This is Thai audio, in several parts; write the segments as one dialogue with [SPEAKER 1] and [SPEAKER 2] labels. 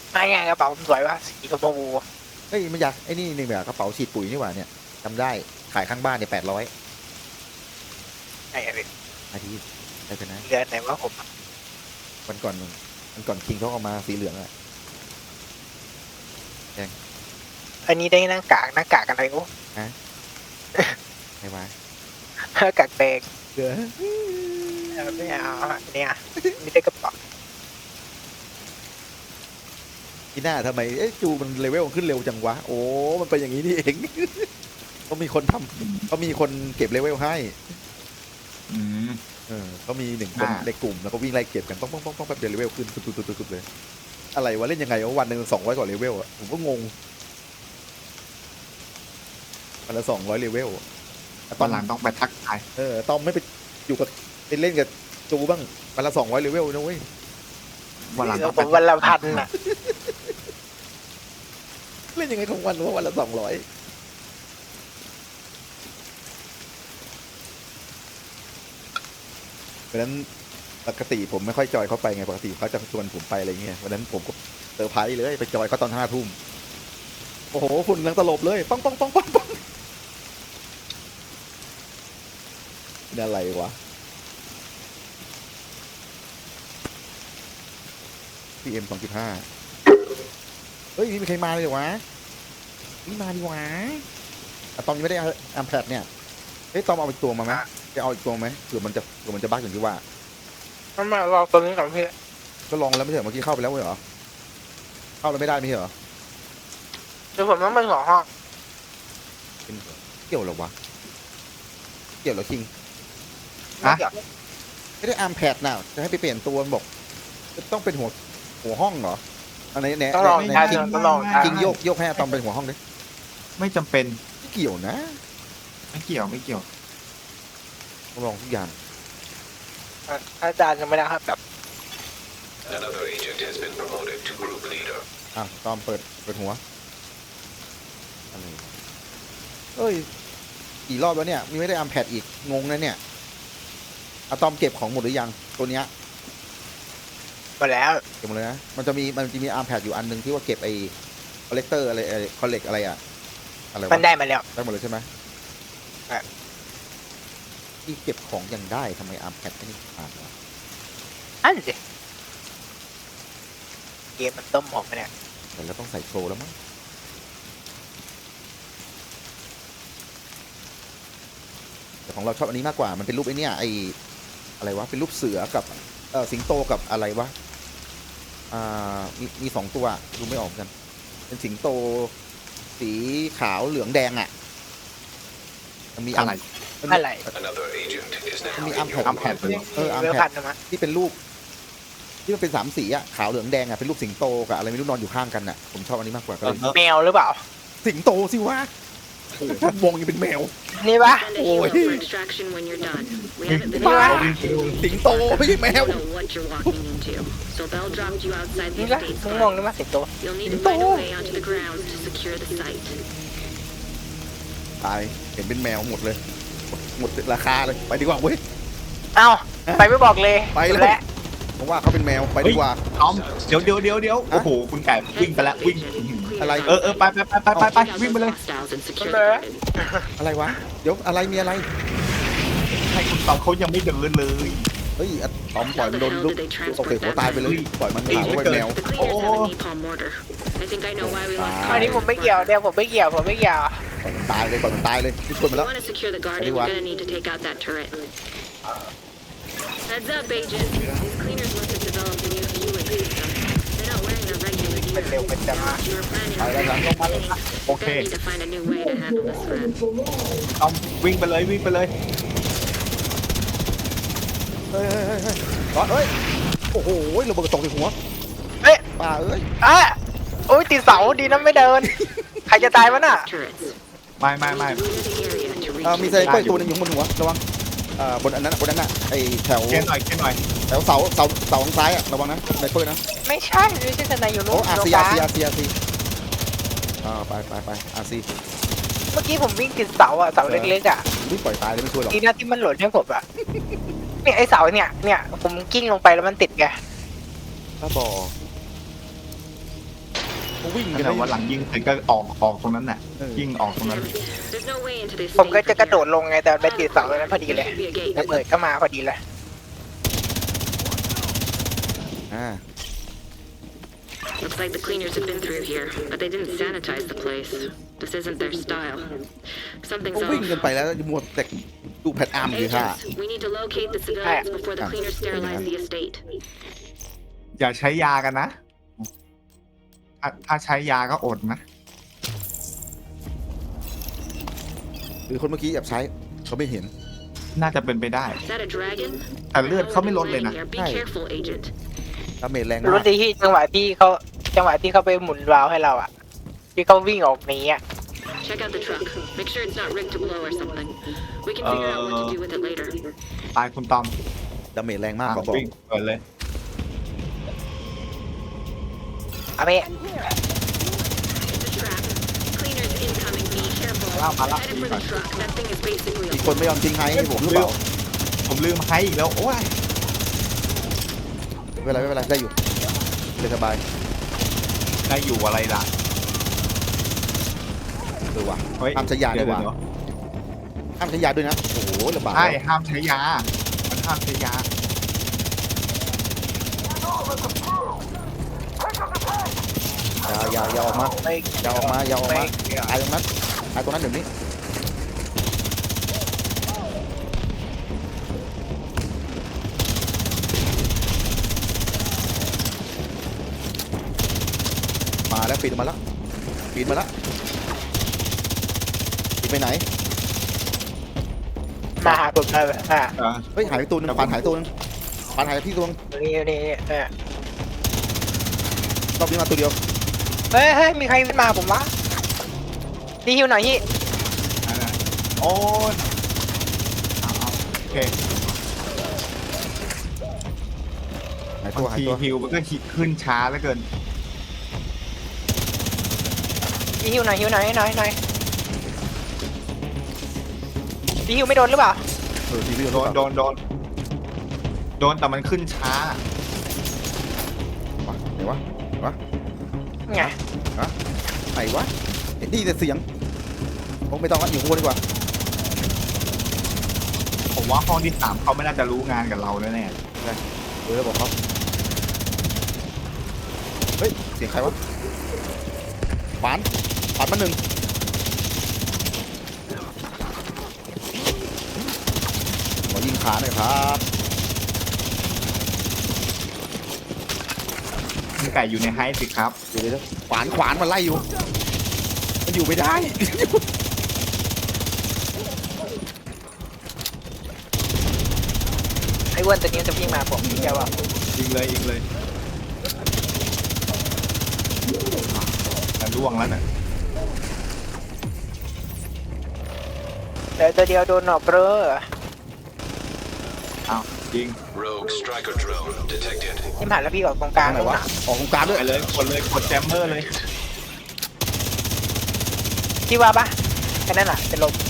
[SPEAKER 1] ไม่ไงกระเป๋าผมสวยป่ะสีชมพู
[SPEAKER 2] เฮ้ยมันอยากไอ้นี่นี่แบบกระเป๋าฉีดปุ๋ยนี่หว่าเนี่ยจำได้ขายข้างบ้านเนี่ย800
[SPEAKER 1] ไอ้พี่
[SPEAKER 2] อาทิตย์ได้ไปนะ
[SPEAKER 1] เรือนไหนว่าผม
[SPEAKER 2] วันก่อนคิงเขาเอามาสีเหลืองอะ
[SPEAKER 1] อันนี้ได้หน้ากากอะไรกู
[SPEAKER 2] ไงวะ
[SPEAKER 1] หน้ากากแดง
[SPEAKER 2] เดือ
[SPEAKER 1] ไม่เอาเนี่ยนี่ได้กระเป๋า
[SPEAKER 2] ที่หน้าทำไมจูมันเลเวลขึ้นเร็วจังวะโอ้มันเป็นอย่างนี้นี่เอง เขามีคนทำเขามีคนเก็บเลเวลให้
[SPEAKER 3] อืม
[SPEAKER 2] เขามี1 คนในกลุ่มแล้วก็วิ่งไล่เก็บกันป้องแบบเดียวเลเวลขึ้นตุ๊บเลยอะไรวะเล่นยังไงวะวันหนึ่ง200กว่าเลเวลอะผมก็งงวันละ200เลเวล
[SPEAKER 3] ตอนหลังต้องไปทักทาย
[SPEAKER 2] ตอมไม่ไปอยู่กับไปเล่นกับจูบ้างวันละ200เลเวลนะเว้ย
[SPEAKER 3] วันหลังต้อง
[SPEAKER 1] ผ
[SPEAKER 3] ไป
[SPEAKER 1] มวันละพันอ่ะ
[SPEAKER 2] เล่นยังไงของวันว่าวันละ200เพราะฉะนั้นปกติผมไม่ค่อยจอยเขาไปไงปกติเขาจะชวนผมไปอะไรเงี้ยวันนั้นผมก็เซอร์ไพรส์เลยไปจอยเขาตอน5 ทุ่มโอ้โหฝุ่นลังตลบเลยปังนี่อะไรวะ PM 2.5เฮ้ยนี่มีใครมาเลยเหรอวะนี่มาดีวะอะตอมยังไม่ได้อัมแพดเนี่ยเฮ้ยตอมเอาอีกตัวมาไหมจะเอาอีกตัวไหมเผื่อมันจะบั๊กอย่างที่ว่า
[SPEAKER 1] มันมาลองตัวนี้ก่อนพี่
[SPEAKER 2] ก็ลองแล้วไม่ใช่เหรอเมื่อกี้เข้าไปแล้วไม่เหรอเข้าแล้วไม่ได้ไม่ใช่เหรอ
[SPEAKER 1] เดี๋ยวผมต้องไปหัวห้อง
[SPEAKER 2] เป็นเกี่ยวเหรอวะเกี่ยวเหรอคิง
[SPEAKER 1] ไม่เกี่ยว
[SPEAKER 2] ไม่ได้อัมแพดน่ะจะให้ไปเปลี่ยนตัวมันบอกต้องเป็นหัวห้องเหรออันไหนไหน
[SPEAKER 1] ต้องลอง
[SPEAKER 2] ไหน
[SPEAKER 1] ใช้
[SPEAKER 2] คิง
[SPEAKER 1] ต้องลองใช้
[SPEAKER 2] คิงโยกให้อะตอมเป็นหัวห้องดิ
[SPEAKER 3] ไม่จำเป็น
[SPEAKER 2] ไม่เกี่ยวนะ
[SPEAKER 3] ไม่เกี่ยวไม่เกี่ยว
[SPEAKER 2] ต้องลองทุกอย่าง
[SPEAKER 1] อาจารย์ยังไม่ได้ครับแบบ
[SPEAKER 4] Another agent has been promoted to group leader.
[SPEAKER 2] อ่ะตอมเปิดหัวอะไรเอ้ยกี่รอบแล้วเนี่ยมีไม่ได้อัมแพดอีกงงนะเนี่ยอะตอมเก็บของหมดหรือยังตัวเนี้ย
[SPEAKER 1] มาแล้ว
[SPEAKER 2] เก็บหมดเลยนะมันจะมีอาร์มแพดอยู่อันหนึ่งที่ว่าเก็บไอ้คอลเลกเตอร์อะไรคอลเลกอะไรอะอะไร
[SPEAKER 1] มัน
[SPEAKER 2] วะ
[SPEAKER 1] ได้มาแล้ว
[SPEAKER 2] ได้หมดเลยใช่ไหม
[SPEAKER 1] ใช่
[SPEAKER 2] ที่เก็บของยังได้ทำไมอาร์มแพดไม่ได้อ่านวะ
[SPEAKER 1] อันสิเกมมันต้มผมไปเนี่ย
[SPEAKER 2] แต่เราต้องใส่โปรแล้วมั้งแต่ของเราชอบอันนี้มากกว่ามันเป็นรูปไอ้เนี่ยไอ้อะไรวะเป็นรูปเสือกับสิงโตกับอะไรวะมี2 ตัวดูไม่ออกกัน เป็นสิงโตสีขาวเหลืองแดงอ่ะมันมี
[SPEAKER 3] อะไร
[SPEAKER 1] อะไร
[SPEAKER 4] Another agent is
[SPEAKER 2] มัน
[SPEAKER 4] now
[SPEAKER 2] มี
[SPEAKER 4] in
[SPEAKER 2] อัมแพ
[SPEAKER 4] your
[SPEAKER 2] ด
[SPEAKER 3] อัมแพด
[SPEAKER 4] group.
[SPEAKER 2] อัม
[SPEAKER 1] เรือ
[SPEAKER 2] แพ
[SPEAKER 1] พั
[SPEAKER 2] ด
[SPEAKER 1] นนะ
[SPEAKER 2] ที่เป็นรูปที่มันเป็น3 สีอ่ะขาวเหลืองแดงอ่ะเป็นรูปสิงโตกับอะไรไม่รู้นอนอยู่ข้างกันอ่ะผมชอบอันนี้มากกว่าก็เลย
[SPEAKER 1] แมวหรือเปล่า
[SPEAKER 2] สิงโตสิวะโอ้โหวงยังเป็นแมว
[SPEAKER 1] นี่ปะ
[SPEAKER 5] Send a helo for extraction when you're done. We haven't been
[SPEAKER 1] นี่ปะ
[SPEAKER 2] สิงโตไม่ใช่แมว
[SPEAKER 5] don't know what you're walking into. So Bell dropped you outside the
[SPEAKER 1] นี่ปะ
[SPEAKER 5] estate
[SPEAKER 1] มึงมอง
[SPEAKER 5] square.
[SPEAKER 1] นี่ปะสิงโต
[SPEAKER 5] You'll need to find a way onto the grounds to secure the site.
[SPEAKER 2] ตายเห็นเป็นแมวหมดเลยหมดราคาเลยไปดีกว่าเว้ย
[SPEAKER 1] เอ้าไปไม่บอกเลย
[SPEAKER 2] ไปแล้ว
[SPEAKER 1] และ
[SPEAKER 2] ผมว่าเขาเป็นแมวไปดีกว่า
[SPEAKER 3] ตอมเดี๋ยวโอ้โหคุณไก่วิ่งไปแล้ววิ่ง
[SPEAKER 2] อะไร
[SPEAKER 3] ไปวิ่งไปเลย
[SPEAKER 5] Hostiles and secure the garden.
[SPEAKER 2] อะไรวะเดี๋ยวอะไรมีอะไร
[SPEAKER 3] ให้คุณตอมเขายังไม่เดินเลย
[SPEAKER 2] เฮ้ยอะตอมปล่อยมันโดนลูกตกใส่หัวตายไปเลยปล่อยมันหาว่าเป็นแมว
[SPEAKER 5] The cleaners have a napalm mortar. I think I know why we lost
[SPEAKER 1] อันนี้ผมไม่เกี่ยวเดี๋ยวผมไม่เกี่ยว
[SPEAKER 2] ปล่อยมันตายเลยที่ชวน
[SPEAKER 5] If
[SPEAKER 2] มา
[SPEAKER 5] you
[SPEAKER 2] แล้ว
[SPEAKER 5] want to secure the garden, you're gonna need to take out that turret. Heads up, agent. These cleaners must have developed a new fuel system. They're not wearing their regular
[SPEAKER 1] เป็นเร็ว
[SPEAKER 5] gear.
[SPEAKER 1] เป็นจัง
[SPEAKER 5] You were planning
[SPEAKER 2] ไป
[SPEAKER 5] on
[SPEAKER 2] แล้วครับลงมาเลย
[SPEAKER 3] โอ
[SPEAKER 5] We're
[SPEAKER 3] เค
[SPEAKER 5] gonna need to find a new way to handle this threat.
[SPEAKER 3] ตอมวิ่งไปเลย
[SPEAKER 2] เฮ้ยร้อนเอ้ยโอ้โหระเบิดตกใส่หัว
[SPEAKER 1] เอ๊ะ
[SPEAKER 2] ป่าเอ้ย
[SPEAKER 1] อ่ะโอ้ยติดเสาดีนะไม่เดิน ใครจะตายวะน่ะ
[SPEAKER 5] Turrets.
[SPEAKER 3] ไม่
[SPEAKER 5] We need to clear the area to reach
[SPEAKER 2] มี
[SPEAKER 5] the
[SPEAKER 2] ไซเคิลตัวหนึงอยู่บนหัวระวังบนอันนั้นน่ะไอแถว
[SPEAKER 3] เกณฑ์หน่อย
[SPEAKER 2] แถวเสาทางซ้ายอ่ะระวังนะไซเคิลนะ
[SPEAKER 1] ไม่ใช่ทนายอยู่
[SPEAKER 2] โอ้
[SPEAKER 1] นู้น
[SPEAKER 2] อา
[SPEAKER 1] ตรง
[SPEAKER 2] ซี
[SPEAKER 1] ก
[SPEAKER 2] อา
[SPEAKER 1] ลาง
[SPEAKER 2] ซีอาซีอาซีไปอาซี
[SPEAKER 1] เมื่อกี้ผมวิ่งติดเสาอ่ะเสาเล็กๆอ่ะ
[SPEAKER 2] ไม่ปล่อยตายเลยไม่ช่วยหรอก
[SPEAKER 1] ดีนะที่มันหล่นให้ผมอ่ะเนี่ยไอเสาเนี่ยผมกิ้งลงไปแล้วมันติดไง
[SPEAKER 2] ถ้าบอเขาวิ่งกัน
[SPEAKER 3] แต่
[SPEAKER 2] นะ
[SPEAKER 3] ว่าหลังยิงเสร็จก็ออกตรงนั้นน่ะยิงออกตรงนั้น
[SPEAKER 5] There's no way into this
[SPEAKER 1] ผมก็
[SPEAKER 5] safe
[SPEAKER 1] จะกระโดด
[SPEAKER 5] area.
[SPEAKER 1] ลงไงแต่ไปติดเสาตรงนั้นพอดีเลย
[SPEAKER 5] Should be a gate.
[SPEAKER 1] ระเบิดก็มาพอดีเลย
[SPEAKER 2] อ่า
[SPEAKER 5] Looks like the cleaners have been through here, but they didn't sanitize the place. This isn't their style. Something's
[SPEAKER 2] เขาวิ่ง
[SPEAKER 5] off.
[SPEAKER 2] กันไปแล้วมัวแต่ดูแพทอาร์มอยู่ค่ะ
[SPEAKER 5] Agents, we need to locate the civilians before the cleaners sterilize the estate.
[SPEAKER 3] อย่าใช้ยากันนะถ้าใช้ยาก็อดนะ
[SPEAKER 2] หรือคนเมื่อกี้แอบใช้เขาไม่เห็น
[SPEAKER 3] น่าจะเป็นไปได้
[SPEAKER 5] Is that a dragon?
[SPEAKER 3] แต่เลือดเขาไม่ลดเลยนะ
[SPEAKER 5] Be careful, agent.
[SPEAKER 2] ดาเมจแรง
[SPEAKER 1] รู้
[SPEAKER 2] มาก
[SPEAKER 1] ดีที่จังหวะที่เขาไปหมุนวาล์วให้เราอะที่เขาวิ่งออกหนีอะ
[SPEAKER 5] Check out the truck. Make sure it's not rigged to blow or something. We can figure out what to do with it later.
[SPEAKER 3] ตายคุณตอม
[SPEAKER 2] ดาเมจแรงมากก็บอก
[SPEAKER 3] วิ่งเปิดเลย
[SPEAKER 1] เอาไป
[SPEAKER 5] The trap. Cleaners incoming. Be careful. Headed for the truck. That thing is basically
[SPEAKER 2] มี
[SPEAKER 5] a
[SPEAKER 2] คนไม่ยอมทิ้งไฮให้ผมหรือเปล่า
[SPEAKER 3] ผมลืมให้อีกแล้ว โอ้ย
[SPEAKER 2] ไม่เป็นไรได้อยู่เลยสบาย
[SPEAKER 3] ได้อยู่อะไรล่ะ
[SPEAKER 2] ว่ะ
[SPEAKER 3] เฮ้ย
[SPEAKER 2] ห้ามใช้ยาด้วยว่ะ
[SPEAKER 3] เดี๋ยว
[SPEAKER 2] ห้ามใช้ยาด้วยนะโอ้โหระบาด
[SPEAKER 3] ใช่ห้ามใช้ยา มันห้ามใช้ยา
[SPEAKER 2] อย่าออกมา
[SPEAKER 1] ไม่
[SPEAKER 2] อย่าออกมาตายตรงนั้นเดี๋ยวนี้มาแล้วปีนมาแล้วปีนไปไหน
[SPEAKER 1] มาหาผมเลยอ่ะ
[SPEAKER 2] เฮ้ยหายไปตัวนึงปานหายตัวนึงปานหายไปที่ตัวนึง
[SPEAKER 1] นี่เนี่ย
[SPEAKER 2] รอบนี้มาตัวเดียว
[SPEAKER 1] เฮ้ยมีใครมาผมวะดีฮิวหน่อยฮิ
[SPEAKER 3] โอ้ยเอาโอเค
[SPEAKER 2] หาย
[SPEAKER 3] บา
[SPEAKER 2] ตัว
[SPEAKER 3] ง
[SPEAKER 2] หาย
[SPEAKER 3] ที
[SPEAKER 2] ตัว
[SPEAKER 3] ฮิวมันก็ขึ้นช้าเหลือเกิน
[SPEAKER 1] ดีฮิวหน่อยดีฮิวไม่โดนหรือเปล่า
[SPEAKER 2] ทีวี
[SPEAKER 3] โดนแต่มันขึ้นช้า
[SPEAKER 2] ไหนวะ
[SPEAKER 1] ไง
[SPEAKER 2] ไหนวะนี่แต่เสียงคงไม่ต้องละอยู่ข้างบนดีกว่า
[SPEAKER 3] ผมว่าห้องที่3เขาไม่น่าจะรู้งานกับเราแน่
[SPEAKER 2] บอกเขาเฮ้ยเสียงใครวะขวานมาหนึ่งขอยิงขาหน่อยครับ
[SPEAKER 3] ๆคุณไก่อยู่ในไฮสิครับ
[SPEAKER 2] เดี๋ยวขวานมันไล่อยู่มันอยู่ไม่ได้
[SPEAKER 1] ไอ้อ้วนตัวนี้จะวิ่งมาผมเดี๋ยวว่า
[SPEAKER 3] ยิงเลยแต่ล่วงแล้วน่ะ
[SPEAKER 1] เดี๋ยวตัวเดียวโดนหนอบเบ้อ
[SPEAKER 3] อ้าวยิง
[SPEAKER 4] Rogue striker drone detected.
[SPEAKER 1] ที่ผ่านแล้วพี่ออกตรงกลาง
[SPEAKER 2] ไหนวะออกตรงกลางด้วย
[SPEAKER 3] ไปเลยกดแจมเมอร์เลย
[SPEAKER 1] ที่ว่าปะแค่นั้นแหละเป็นลม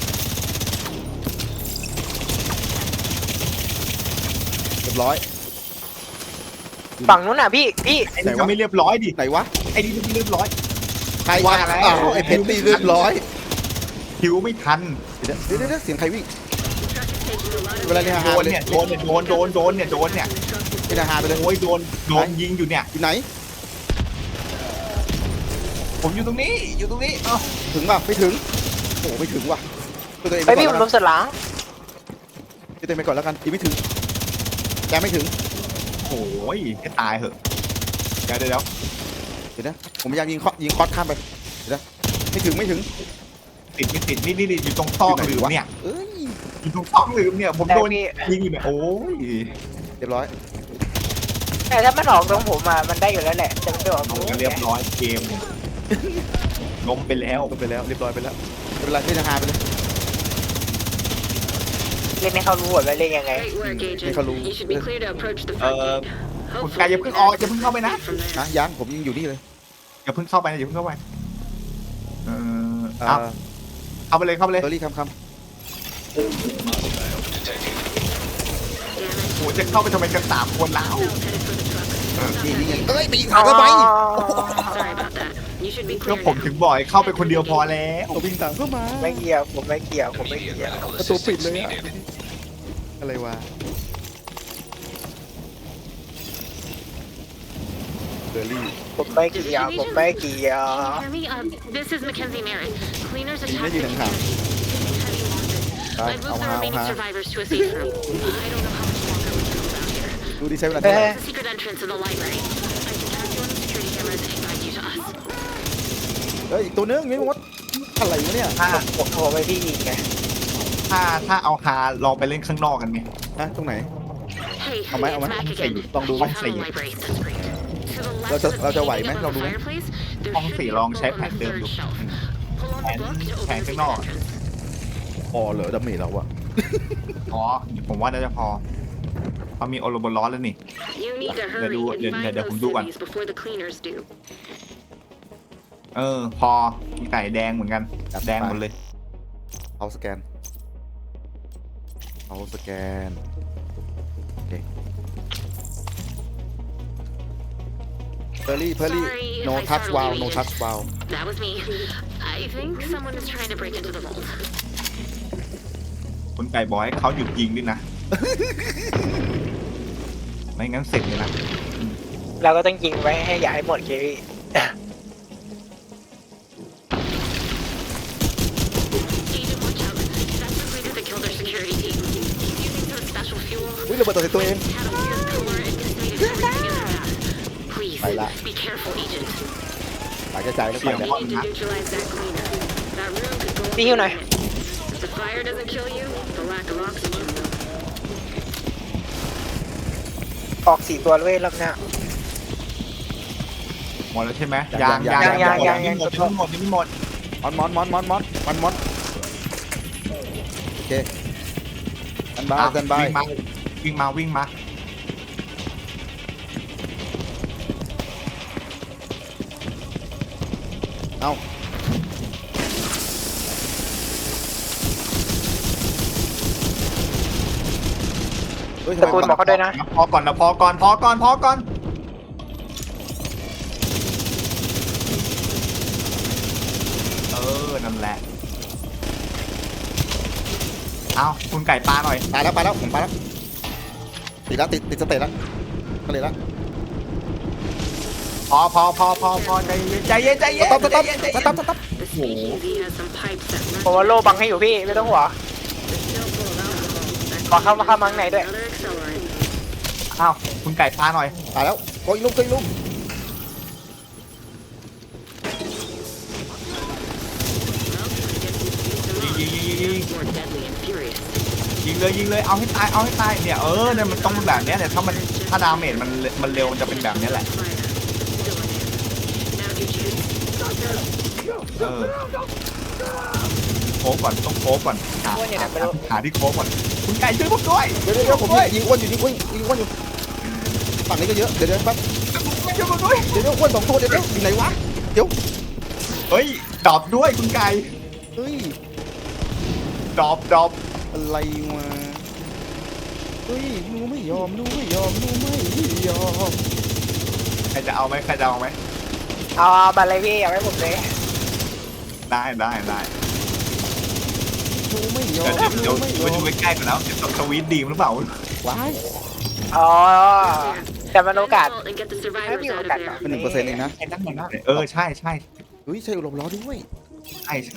[SPEAKER 2] เรียบร้อย
[SPEAKER 1] ฝั่งนู้นน่ะพี่
[SPEAKER 3] ไอ้นี่ก็ไม่เรียบร้อยดิ
[SPEAKER 2] ไหนวะ
[SPEAKER 3] ไอ้นี่ก็ไม่เรียบร้อย
[SPEAKER 2] ใคร
[SPEAKER 3] ว่าแล้ว
[SPEAKER 2] อ้าวไอ้เพชรตีเรียบร้อย
[SPEAKER 3] คิวไม่ทัน
[SPEAKER 2] เดี๋ยวเสียงใครวิ่ง
[SPEAKER 5] truck is taking a lot of
[SPEAKER 2] เวลาเนี่ย
[SPEAKER 3] โด
[SPEAKER 2] ฮาน เลย
[SPEAKER 3] เนี่ยโดนเนี่ย
[SPEAKER 2] เป็นอาหารไปเลย
[SPEAKER 3] โอ้ยโดนยิงอยู่เนี่ย
[SPEAKER 2] อยู่ไหน
[SPEAKER 3] ผมอยู่ตรงนี้เอ้า
[SPEAKER 2] ถึงป่ะไม่ถึงโอ้ไม่ถึงว่ะตัวเอง
[SPEAKER 1] ไปพี่
[SPEAKER 2] ก่
[SPEAKER 1] ผ
[SPEAKER 2] อน
[SPEAKER 1] ม
[SPEAKER 2] แล้ว
[SPEAKER 1] ลมสดหลัง
[SPEAKER 2] ตัวเองไปก่อนแล้วกันยังไม่ถึงแกไม่ถึง
[SPEAKER 3] โอ้ยให้ตายเหอะเดี๋ยว
[SPEAKER 2] เดี๋ยวนะผมพยายามยิงคอสข้ามไปเดี๋ยวนะไม่ถึง
[SPEAKER 3] ไม่ติดนี่อยู่ตรงซอกหลืมเนี่ย
[SPEAKER 2] เอ้ย
[SPEAKER 3] อยู่ตรงซอกหลืมเนี่ยผม
[SPEAKER 1] แต่
[SPEAKER 3] โดน
[SPEAKER 1] พี่
[SPEAKER 3] ยิงอยู่เนี่ยโอ้ย
[SPEAKER 2] เรียบร้อย
[SPEAKER 1] แต่ถ้ามันออกตรงผมมันได้อยู่แล้วแหละแต่มันไม่ออกตรงนี้
[SPEAKER 3] เรียบร้อยเกมล้มไปแล้ว
[SPEAKER 2] ลงไปแล้วเรียบร้อยไปแล้วเวลาที่จะหาไปเลย
[SPEAKER 1] เล่นให้เขารู้ว่าเล่นยังไง
[SPEAKER 5] Great work, agent.
[SPEAKER 2] Make a loop.
[SPEAKER 5] You should be clear to approach the front gate.
[SPEAKER 3] คุณกายอย่าเพิ่งออกอย่าเพิ่งเข้าไปนะ
[SPEAKER 5] From there.
[SPEAKER 2] นะยังผมยังอยู่นี่เลย
[SPEAKER 3] อย่าเพิ่งเข้าไปอย่าเพิ่งเข้าไป
[SPEAKER 2] เอ่
[SPEAKER 3] เอา
[SPEAKER 2] อ
[SPEAKER 3] เข้าไปเลย
[SPEAKER 2] เบอร์รี่คำ
[SPEAKER 4] Detected.
[SPEAKER 5] Damn it.
[SPEAKER 3] โอ้จะเข้าไปทำไมกัน3 คนแล้ว
[SPEAKER 5] Headed for the truck.
[SPEAKER 2] นี่ไงเอ้ยไปยิงขาทำไม
[SPEAKER 5] Sorry about that. You should be
[SPEAKER 3] ก็
[SPEAKER 5] clear
[SPEAKER 3] ผม
[SPEAKER 5] now.
[SPEAKER 3] ถึงบ่อยเข้าไปคนเดียวพอแล้ว
[SPEAKER 2] เอาวิ่งตามเข้ามา
[SPEAKER 1] ไม่เกี่ยวผมไม่เกี่ยวผมไม่เกี่ยว
[SPEAKER 4] Medical
[SPEAKER 2] ประตูปิด
[SPEAKER 4] assistance
[SPEAKER 2] เลยอะ
[SPEAKER 4] needed.
[SPEAKER 2] อะไรวะเบอร์รี่
[SPEAKER 1] ผมไม่เกี่ยวผมไม่เกี่ยว
[SPEAKER 5] Can you hear me? This is Mackenzie Merritt. Cleaners
[SPEAKER 2] Hindi
[SPEAKER 5] attacked
[SPEAKER 2] yun
[SPEAKER 5] the
[SPEAKER 2] ang tao.
[SPEAKER 5] heavy losses.
[SPEAKER 2] Ay,
[SPEAKER 5] I've moved the
[SPEAKER 2] ako
[SPEAKER 5] remaining
[SPEAKER 2] ha.
[SPEAKER 5] survivors to a safe room. I don't know how much longer we can hold out here.
[SPEAKER 2] ดูดิใช้เวลาเท่าไหร่
[SPEAKER 5] There's a secret entrance in the library. I can track you on the security cameras and guide you to us.
[SPEAKER 2] เฮ้ยอีกตัวนึงนี่มดอะไรวะเนี่ย
[SPEAKER 1] ถ้าผมโทรไปพี่ยิงไง
[SPEAKER 3] ถ้าเอาฮาลองไปเล่นข้างนอกกันไหม
[SPEAKER 2] ฮะตรงไหน
[SPEAKER 5] Hey,
[SPEAKER 2] เอาไหม
[SPEAKER 5] it's
[SPEAKER 2] เอาไหม
[SPEAKER 5] Mac again.
[SPEAKER 2] ลองดูไหม
[SPEAKER 5] I found the library. That's great. To the left
[SPEAKER 2] เราจะ
[SPEAKER 5] of the
[SPEAKER 2] เราจะไหว
[SPEAKER 5] painting
[SPEAKER 2] ไหม
[SPEAKER 5] above
[SPEAKER 2] ลองดู
[SPEAKER 5] the
[SPEAKER 2] ไหม
[SPEAKER 5] fireplace, there
[SPEAKER 3] ห้อง
[SPEAKER 5] should
[SPEAKER 3] สี่
[SPEAKER 5] be a
[SPEAKER 3] ลองใช้
[SPEAKER 5] book
[SPEAKER 3] แผ
[SPEAKER 5] on
[SPEAKER 3] น
[SPEAKER 5] the
[SPEAKER 3] เดิม
[SPEAKER 5] third
[SPEAKER 3] ดู
[SPEAKER 5] shelf. Pull on the book to
[SPEAKER 3] แผ
[SPEAKER 5] open
[SPEAKER 3] น
[SPEAKER 5] the
[SPEAKER 3] ข้าง
[SPEAKER 5] secret
[SPEAKER 3] นอก
[SPEAKER 5] entrance.
[SPEAKER 2] พอเหรอดาเมจเราอะ
[SPEAKER 3] อ๋อผมว่าน่าจะพอเพราะมีโอโรบอลร้อนแล้วนี่
[SPEAKER 5] You need to
[SPEAKER 3] Để
[SPEAKER 5] hurry
[SPEAKER 3] đu-
[SPEAKER 5] and
[SPEAKER 3] để-
[SPEAKER 5] find
[SPEAKER 3] để
[SPEAKER 5] those
[SPEAKER 3] ผมดูก่อน
[SPEAKER 5] cities before the cleaners do.
[SPEAKER 3] พอมีไก่แดงเหมือนกันแดงหมดเลย
[SPEAKER 2] เอาสแกนเอาสแกนโอเคเพอร์รี่
[SPEAKER 5] Sorry if
[SPEAKER 2] no
[SPEAKER 5] I
[SPEAKER 2] touch
[SPEAKER 5] startled
[SPEAKER 2] wow
[SPEAKER 5] you,
[SPEAKER 2] no
[SPEAKER 5] Agent.
[SPEAKER 2] touch wow
[SPEAKER 5] That was me. I think someone is trying to break into the vault.
[SPEAKER 3] คุณไก่บอกให้เขาหยุดยิงด้วยนะ ไม่งั้นเสร็จเลยนะ
[SPEAKER 1] เราก็ต้องยิงไว้ให้อย่าให้หมดเคพี่
[SPEAKER 5] Agent, watch out. That's the cleaner that killed our security team. He's using some special fuel.
[SPEAKER 2] อุ้ยระเบิดตัวใส่ตัวเอง
[SPEAKER 5] It's had a weird color and decimated everything in their path. Please,
[SPEAKER 2] Phải lạ.
[SPEAKER 5] be careful, Agent.
[SPEAKER 2] หายกระจายแล้วไป
[SPEAKER 5] We
[SPEAKER 2] แล้ว
[SPEAKER 5] need to neutralize that cleaner. That room could go up
[SPEAKER 1] Đi
[SPEAKER 5] in
[SPEAKER 1] hiệu
[SPEAKER 5] a
[SPEAKER 1] này.
[SPEAKER 5] minute. If the fire doesn't kill you, the lack of oxygen will.
[SPEAKER 1] ออก4 ตัวเลยรอบหน้า
[SPEAKER 3] หมดแล้วใช่ไหม
[SPEAKER 2] ยัง
[SPEAKER 3] ยัง
[SPEAKER 1] ยัง
[SPEAKER 3] หมดยังไม่หมดยังไม่หมด
[SPEAKER 2] มอนโอเคกันบายกันบาย
[SPEAKER 3] วิ่งมา
[SPEAKER 2] เอา เฮ้ย
[SPEAKER 1] ตะโกนบอกเขาด้วยนะ
[SPEAKER 3] พอก่อนนั่นแหละเอาคุณไก่ปลาหน่อย
[SPEAKER 2] ไปแล้วผมไปแล้วติดแล้วติดสเตตแล้วก็เลยแล้ว
[SPEAKER 3] พอใจเย็น
[SPEAKER 2] สต๊อป
[SPEAKER 5] The speakeasy has some pipes that run
[SPEAKER 1] ผมว่าโล่บังให้อยู่พี่ไม่ต้องห่วง
[SPEAKER 5] the still full of alcohol.
[SPEAKER 1] ขอเข้ามาข้างในด้วย
[SPEAKER 5] Another accelerant.
[SPEAKER 3] อ้าวคุณไก่ปลาหน่อย
[SPEAKER 2] ตายแล้วโกยลุก
[SPEAKER 5] More deadly and furious.
[SPEAKER 3] ยิงเลยเอาให้ตายเนี่ยเนี่ยมันต้องแบบเนี้ยเนี่ยถ้าดาเมจมันเร็วมันจะเป็นแบบเนี้ยแหละ
[SPEAKER 5] Fire. Still in it. Now do you?
[SPEAKER 3] โค้กก่อนต้องโค้กก่อนหาที่โค้กก่อนคุณไก่ช่วยผมด้วย
[SPEAKER 2] เดี๋ยวผมยิงอ้วนอยู่ฝั่งนี้ก็เยอะเดี๋ยวแป๊บ
[SPEAKER 3] ช่วยผมด้วย
[SPEAKER 2] เดี๋ยวอ้วน2 ตัวเดี๋ยวอยู่ไหนวะเดี๋ยว
[SPEAKER 3] เฮ้ยดรอปด้วยคุณไก่
[SPEAKER 2] เฮ้ย
[SPEAKER 3] ดรอป
[SPEAKER 2] อะไรวะเฮ้ยหนูไม่ยอม
[SPEAKER 3] ใครจะเอาไหม
[SPEAKER 1] เอาบัตรเลยพี่เอาไว้ผมเลย
[SPEAKER 3] ได้
[SPEAKER 2] หนูไม่ยอ
[SPEAKER 3] เดี๋ยว
[SPEAKER 2] ม
[SPEAKER 3] ไปดูใกล้ๆก่อนนะจะสวีทดีมหรือเปล่า
[SPEAKER 2] ว้าย
[SPEAKER 1] อ๋อแต่มันโอกาส
[SPEAKER 5] Find the vault and get the survivors
[SPEAKER 1] Maybe
[SPEAKER 5] out of
[SPEAKER 1] we'll get
[SPEAKER 5] there.
[SPEAKER 1] that.
[SPEAKER 2] เป็น1%เองนะ
[SPEAKER 3] ใช่ใช่
[SPEAKER 2] เฮ้ยใช่ลมล้อด้วย
[SPEAKER 3] ใช่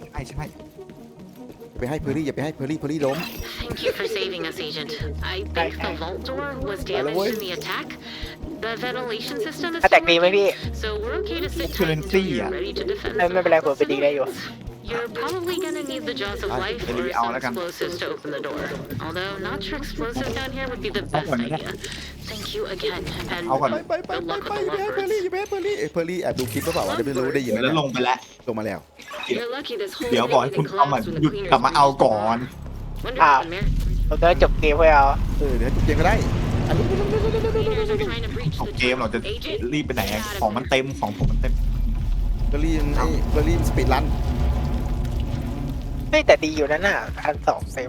[SPEAKER 2] ไปให้เพอร์รี่อย่าไปให้เพอร์รี่ล้ม
[SPEAKER 5] Thank you for saving us, Agent. I think the vault door was damaged in the attack. The ventilation system is
[SPEAKER 1] ถ้าแตกดีไหมพี่
[SPEAKER 5] so we're okay to sit tight
[SPEAKER 3] Currently,
[SPEAKER 5] until you're
[SPEAKER 3] yeah.
[SPEAKER 5] ready to defend
[SPEAKER 1] ไม่เป็นไรผมไปดีได้อยู่
[SPEAKER 5] You're probably gonna need the jaws of life or
[SPEAKER 3] Maybe
[SPEAKER 5] some
[SPEAKER 3] I'll let him.
[SPEAKER 5] explosives to open the door. Although not sure explosives down here would be the best
[SPEAKER 3] I'll let him.
[SPEAKER 5] idea. Thank you again, and
[SPEAKER 3] I'll let him.
[SPEAKER 5] good luck with the
[SPEAKER 2] อย่าไปให้เพอร์รี่
[SPEAKER 5] lovebirds.
[SPEAKER 2] เพอร์รี่แอบดูคลิปหรือเปล่าวะเดี๋ยวไม่รู้ได้ยินไหม
[SPEAKER 3] แล้วลงไปแล้ว
[SPEAKER 2] ลงมาแล้ว
[SPEAKER 5] You're lucky this whole
[SPEAKER 3] เดี๋ยวบอกให้
[SPEAKER 5] thing
[SPEAKER 3] คุณ
[SPEAKER 5] didn't
[SPEAKER 3] เอามา
[SPEAKER 5] collapse when
[SPEAKER 3] หยุด
[SPEAKER 5] the cleaners
[SPEAKER 3] กลับมาเอาก่อน
[SPEAKER 5] What
[SPEAKER 1] Ah.
[SPEAKER 5] happened, Mayor?
[SPEAKER 1] ผมจะจบเกมเพื่อเอา
[SPEAKER 2] เดี๋ยวเกมก็ได้
[SPEAKER 5] Cleaners are trying to breach
[SPEAKER 3] ของ
[SPEAKER 5] the
[SPEAKER 3] เกมเราจะ
[SPEAKER 5] Agent,
[SPEAKER 3] รีบไปไหน
[SPEAKER 5] get out of
[SPEAKER 3] ของมัน
[SPEAKER 5] there.
[SPEAKER 3] เต็มของผมมันเต็ม
[SPEAKER 2] เพอร์รี่สปีดรัน
[SPEAKER 1] เฮ้ยแต่ดีอยู่นั่นน่ะ1,200เซฟ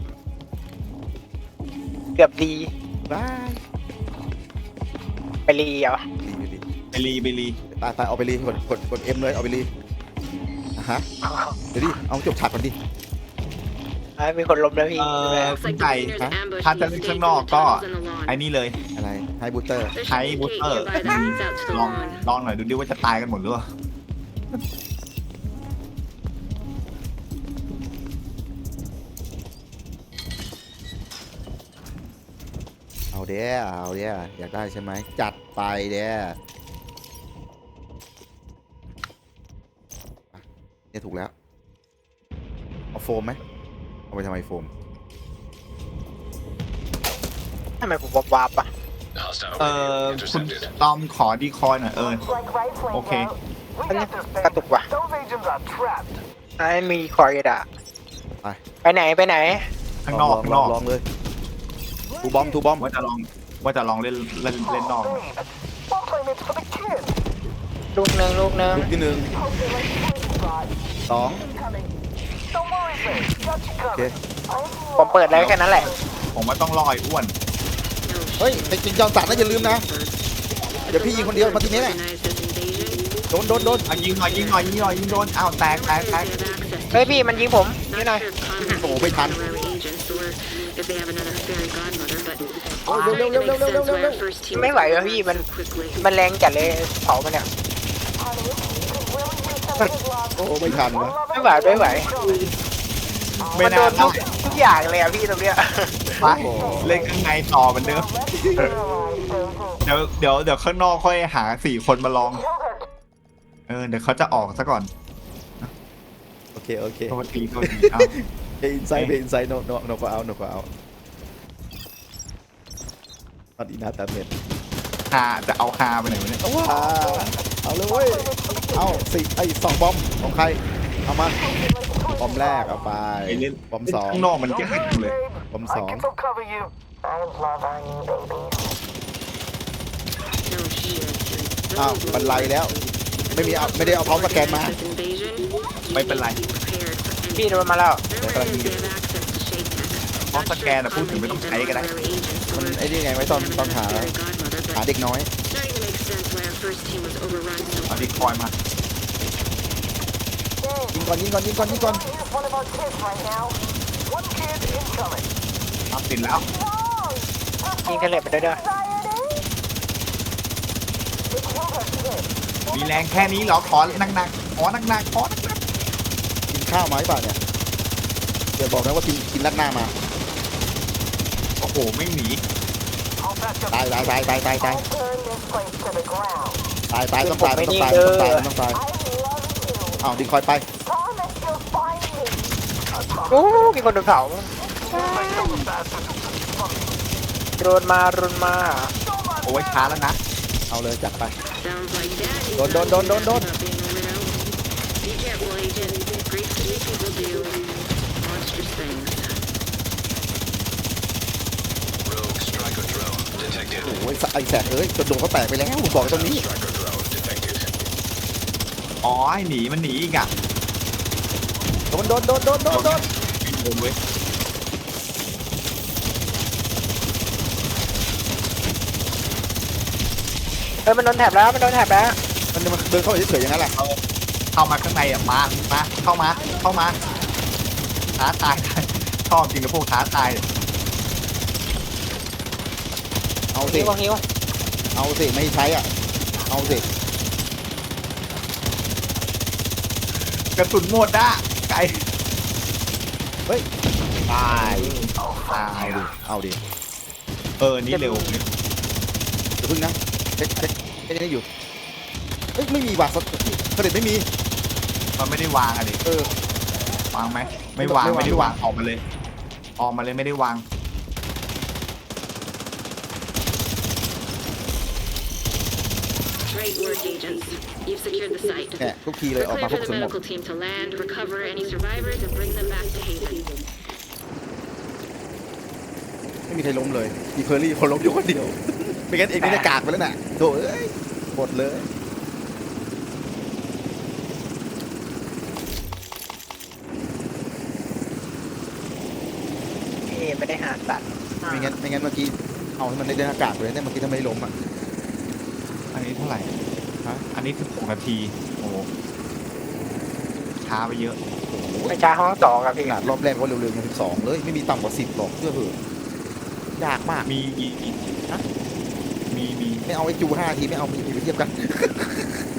[SPEAKER 1] เกือบดี
[SPEAKER 2] บาย
[SPEAKER 1] ไปรีเหรอ
[SPEAKER 2] ดี
[SPEAKER 3] ไปรี
[SPEAKER 2] ตไปเอาไปรีกด M เลยเอาไปรีฮะเดี๋ยวดิเอาจบฉากก่อนดิ
[SPEAKER 1] มีคนล้มแล้วพี่
[SPEAKER 5] Looks
[SPEAKER 3] คุณ
[SPEAKER 5] like
[SPEAKER 3] ไก่
[SPEAKER 5] the cleaners ambushed
[SPEAKER 3] ถ้า
[SPEAKER 5] the
[SPEAKER 3] จะเล่น
[SPEAKER 5] escape
[SPEAKER 3] ข้าง
[SPEAKER 5] from
[SPEAKER 3] น
[SPEAKER 5] the
[SPEAKER 3] อกก็
[SPEAKER 5] tunnels in the lawn.
[SPEAKER 3] ไอ้นี่เลย
[SPEAKER 2] อะไรไฮบูเตอร์
[SPEAKER 5] There
[SPEAKER 3] ใช้
[SPEAKER 5] should be
[SPEAKER 3] บูส
[SPEAKER 5] a
[SPEAKER 3] เตอ
[SPEAKER 5] gate
[SPEAKER 3] ร์
[SPEAKER 5] nearby that leads out to the
[SPEAKER 3] ลอง
[SPEAKER 5] lawn.
[SPEAKER 3] หน่อยดูดิว่าจะตายกันหมดหรือเปล่า
[SPEAKER 2] เอาเด้อยากได้ใช่ไหมจัดไปเด้เนี่ยถูกแล้วเอาโฟมไหมเอาไปทำไมโฟม
[SPEAKER 1] ทำไมผมวับอ่ะ
[SPEAKER 4] Hostile
[SPEAKER 3] คุณ
[SPEAKER 4] radio intercepted.
[SPEAKER 3] ตอมขอดีคอยหน่อยโอเค
[SPEAKER 1] อันนี้กระตุกว่ะไอ้มีคอร์ดอ่ะไปไหน
[SPEAKER 3] ข้างนอก
[SPEAKER 2] ลองเลยทูบอม
[SPEAKER 3] ว่าจะลองเล่นนอก
[SPEAKER 1] ลูกหนึ่ง
[SPEAKER 2] ลูกที่หนึ่งสองโอเค
[SPEAKER 1] ผมเปิดแล้วแค่นั้นแหละ
[SPEAKER 3] ผมว่าต้องรอไอ้อ้วน
[SPEAKER 2] เฮ้ยไปกินจอมสัตว์นะอย่าลืมนะเดี๋ยวพี่ยิงคนเดียวมาทีนี้แหละ
[SPEAKER 5] Organize this invasion.
[SPEAKER 2] โดน
[SPEAKER 3] ยิงหน่อยโดนอ้าวแตก
[SPEAKER 5] They have access
[SPEAKER 1] เฮ้ย
[SPEAKER 5] to
[SPEAKER 1] พี่มันยิงผมนี่หน่อย
[SPEAKER 5] not sure if Conrad
[SPEAKER 2] โอ้โหไม่ทัน
[SPEAKER 5] honorary agents or if they have another fairy godmother, but
[SPEAKER 2] โอ้ย
[SPEAKER 5] it
[SPEAKER 2] เร็ว
[SPEAKER 5] makes sense why our first team
[SPEAKER 1] ไม่ไหวแล้วพี่มัน
[SPEAKER 5] so quickly.
[SPEAKER 1] มันแรงจัดเลยเผามันเนี่ย
[SPEAKER 2] โอ้ไม่ทันวะ
[SPEAKER 1] ไม่ไหว
[SPEAKER 3] ไม่
[SPEAKER 1] มันโด
[SPEAKER 3] น่าน
[SPEAKER 1] ทุกอย่างเลยอ่ะพี่ตรงเนี้ย
[SPEAKER 3] ไปเล่นข้างในต่อเหมือนเดิมเดี๋ยวข้างนอกค่อยหา4 คนมาลองเดี๋ยวเขาจะออกซะก่อน
[SPEAKER 2] โอเค
[SPEAKER 3] โทษทีเอา
[SPEAKER 2] อินไซด์โนก็เอาตอนอีนาตาเม็ด
[SPEAKER 3] จะเอาฮาไปไหนวะเนี่ย
[SPEAKER 2] เอาเลยเว้ยเอา2 บอมของใครเอามาบอมแรกเอาไป
[SPEAKER 3] ไปเล่น
[SPEAKER 2] บอม2
[SPEAKER 3] ข้างนอกมันยากจังเลย
[SPEAKER 2] บอม2
[SPEAKER 5] No shit.
[SPEAKER 2] อ้าวบรรลัยแล้ว ไม่ได้เอาพร้อมสแกนมา
[SPEAKER 5] This invasion, you
[SPEAKER 3] ไม่เป็นไร
[SPEAKER 5] need to be prepared for anything.
[SPEAKER 1] พี่โดนมาแล้ว
[SPEAKER 5] They're ready to have access to Shake Tech.
[SPEAKER 3] เพราะสแกนพูดถึงไม่ต้องใช้ก็ได้
[SPEAKER 2] มันไอ้นี่ไงไว้ตอนหาเด็กน้อย
[SPEAKER 5] Starting to make sense why our first team was overrun so
[SPEAKER 3] เอาดีคอยมา
[SPEAKER 2] ยิงก่อน
[SPEAKER 3] เอาติดแล้ว
[SPEAKER 1] ยิงเทเลตไปด้วยเด้อ
[SPEAKER 3] มีแรงแค่นี้เหรอขอหนักๆขอหนัก
[SPEAKER 2] กินข้าวมาหรือเปล่าเนี่ยเดี๋ยวบอกนะว่ากินลัดหน้ามา
[SPEAKER 3] โอ้โหไม่หนี
[SPEAKER 2] ตายต้องตายอ้าวดิคอยไป
[SPEAKER 1] โอ้มีคนโดนเผารุนมา
[SPEAKER 3] โอ้ยช้าแล้วนะ
[SPEAKER 2] เอาเลยจัดไป
[SPEAKER 5] sounds like that.
[SPEAKER 2] Don't.
[SPEAKER 5] About being a widow. Be careful, agent. Great city people do monstrous things.
[SPEAKER 4] Rogue striker drone detected.
[SPEAKER 2] โอ้ยไอแสบจนโดนเขาแตกไปแล้วบอกตรงนี้
[SPEAKER 4] Striker drone detected.
[SPEAKER 3] อ๋อไอ้หนีมันหนีอีกอ่ะ
[SPEAKER 2] โดน
[SPEAKER 3] ไม่โดนเว้ย
[SPEAKER 1] มันโดนแถบแล้ว
[SPEAKER 2] มันเดินเข้าไปเฉยๆอย่างนั้นแหละ
[SPEAKER 3] เข้ามาข้างในอ่ะมาเข้ามาท้าตายชอบจริงกับพวกท้าตาย
[SPEAKER 2] เอาสิ
[SPEAKER 1] หิว
[SPEAKER 2] เอาสิไม่ใช้อ่ะเอาสิ
[SPEAKER 3] กระสุนหมดอ่ะไก่
[SPEAKER 2] เฮ้ยตาย
[SPEAKER 3] ตาย
[SPEAKER 2] เอาดิ
[SPEAKER 3] นี่เร็ว
[SPEAKER 2] เดี๋ยวพึ่งนะเช็คนี่อยู่เฮ้ยไม่มีว่ะเสด็จไม่มี
[SPEAKER 3] มันไม่ได้วางอะดิวางไหมไม่วางไม่ได้วางออกมาเลยไม่ได้วาง
[SPEAKER 5] Great work, agents. You've secured the site.
[SPEAKER 2] แหมทุกทีเลย
[SPEAKER 5] We're
[SPEAKER 2] ออก
[SPEAKER 5] clear
[SPEAKER 2] มาพว
[SPEAKER 5] for
[SPEAKER 2] ก
[SPEAKER 5] the
[SPEAKER 2] สมหมด
[SPEAKER 5] medical team to land, recover any survivors, and bring them back to Haven.
[SPEAKER 2] ไม่มีใครล้มเลยมีเพอร์รี่คนล้มอยู่คนเดียว ไม่งั้นเองนี่จะกากไปแล้วน่ะโถ่เอ้ยหมดเลย
[SPEAKER 1] ไม่ได้หาสัตว์
[SPEAKER 2] ไม่งั้นเมื่อกี้เอาให้มันได้เดินอากาศไปเลยเนี่ยเมื่อกี้ทำไมล้มอ่ะ
[SPEAKER 3] อันนี้เท่าไหร่อันนี้16 นาทีโอ้โหช้าไปเยอะ
[SPEAKER 1] ไปช้าห้องสองอะ
[SPEAKER 2] ข
[SPEAKER 1] พี่
[SPEAKER 2] นาดรอบแรกก็เร็วๆยัง12เลยไม่มีต่ำกว่า10หรอกเชื่อเถอะยากมาก
[SPEAKER 3] มี
[SPEAKER 2] ฮะ
[SPEAKER 3] มี
[SPEAKER 2] ไม่เอาไอ้จู5 ทีไม่เอามีไปเทียบกัน